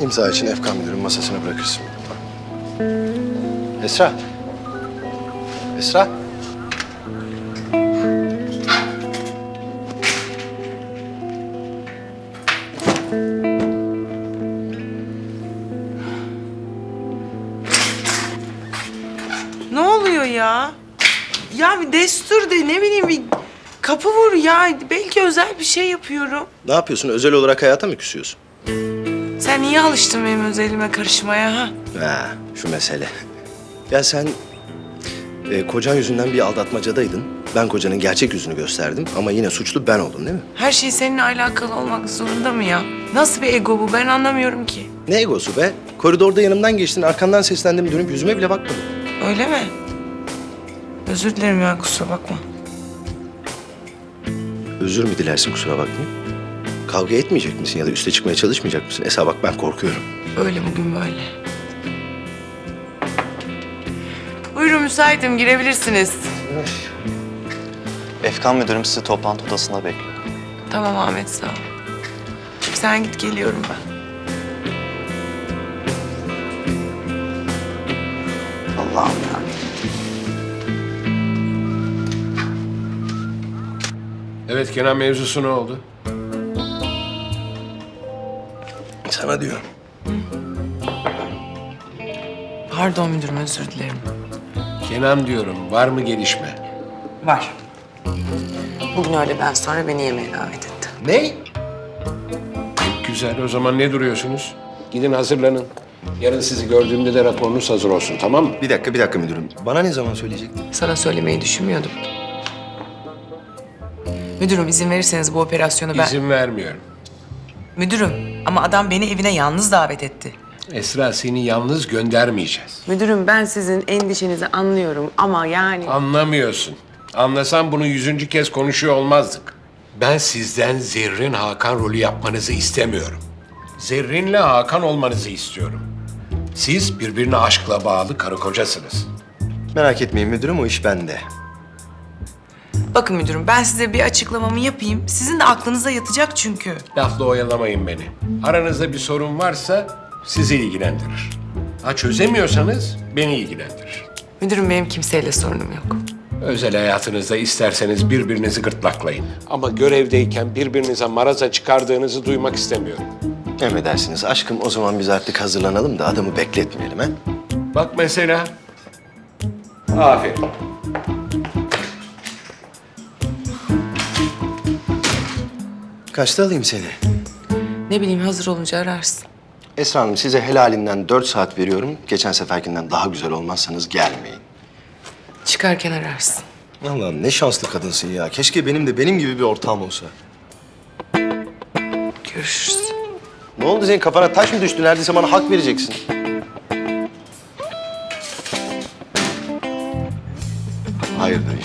İmza için Efkan müdürün masasına bırakırsın. Esra. Esra. Ne oluyor ya? Ya bir destur de ne bileyim bir kapı vur ya. Belki özel bir şey yapıyorum. Ne yapıyorsun? Özel olarak hayata mı küsüyorsun? Sen niye alıştın benim özelime karışmaya ha? Ha, şu mesele. Ya sen kocan yüzünden bir aldatmacadaydın. Ben kocanın gerçek yüzünü gösterdim ama yine suçlu ben oldum değil mi? Her şey seninle alakalı olmak zorunda mı ya? Nasıl bir ego bu? Ben anlamıyorum ki. Ne egosu be? Koridorda yanımdan geçtin, arkandan seslendim, dönüp yüzüme bile bakmadın. Öyle mi? Özür dilerim ya, kusura bakma. Özür mü dilersin kusura bakmayın? Kavga etmeyecek misin ya da üste çıkmaya çalışmayacak mısın? Esra bak ben korkuyorum. Öyle bugün böyle. Buyurun, müsaitim, girebilirsiniz. Efkan müdürüm sizi toplantı odasında bekliyor. Tamam Ahmet, sağ ol. Sen git, geliyorum ben. Allah'ım ya. Evet, Kenan mevzusu ne oldu? Sana diyorum. Pardon müdürüm, özür dilerim. Kenan diyorum, var mı gelişme? Var. Bugün öğleden sonra beni yemeğe davet etti. Ne? Güzel, o zaman ne duruyorsunuz? Gidin hazırlanın. Yarın sizi gördüğümde de raporunuz hazır olsun, tamam mı? Bir dakika müdürüm. Bana ne zaman söyleyecektin? Sana söylemeyi düşünmüyordum. Müdürüm, izin verirseniz bu operasyonu ben... İzin vermiyorum. Müdürüm, ama adam beni evine yalnız davet etti. Esra, seni yalnız göndermeyeceğiz. Müdürüm, ben sizin endişenizi anlıyorum ama yani... Anlamıyorsun. Anlasam bunu 100. kez konuşuyor olmazdık. Ben sizden Zerrin Hakan rolü yapmanızı istemiyorum. Zerrin'le Hakan olmanızı istiyorum. Siz birbirine aşkla bağlı karı kocasınız. Merak etmeyin müdürüm o iş bende. Bakın müdürüm, ben size bir açıklamamı yapayım. Sizin de aklınıza yatacak çünkü. Lafla oyalamayın beni. Aranızda bir sorun varsa sizi ilgilendirir. Ha çözemiyorsanız beni ilgilendirir. Müdürüm, benim kimseyle sorunum yok. Özel hayatınızda isterseniz birbirinizi gırtlaklayın. Ama görevdeyken birbirinize maraza çıkardığınızı duymak istemiyorum. Emredersiniz aşkım o zaman biz artık hazırlanalım da adamı bekletmeyelim ha. Bak mesela. Aferin. Kaçta alayım seni? Ne bileyim, hazır olunca ararsın. Esra Hanım size helalinden 4 saat veriyorum. Geçen seferkinden daha güzel olmazsanız gelmeyin. Çıkarken ararsın. Allah'ım ne şanslı kadınsın ya. Keşke benim de benim gibi bir ortağım olsa. Görüşürüz. Ne oldu senin kafana taş mı düştü? Neredeyse bana hak vereceksin. Hayırdır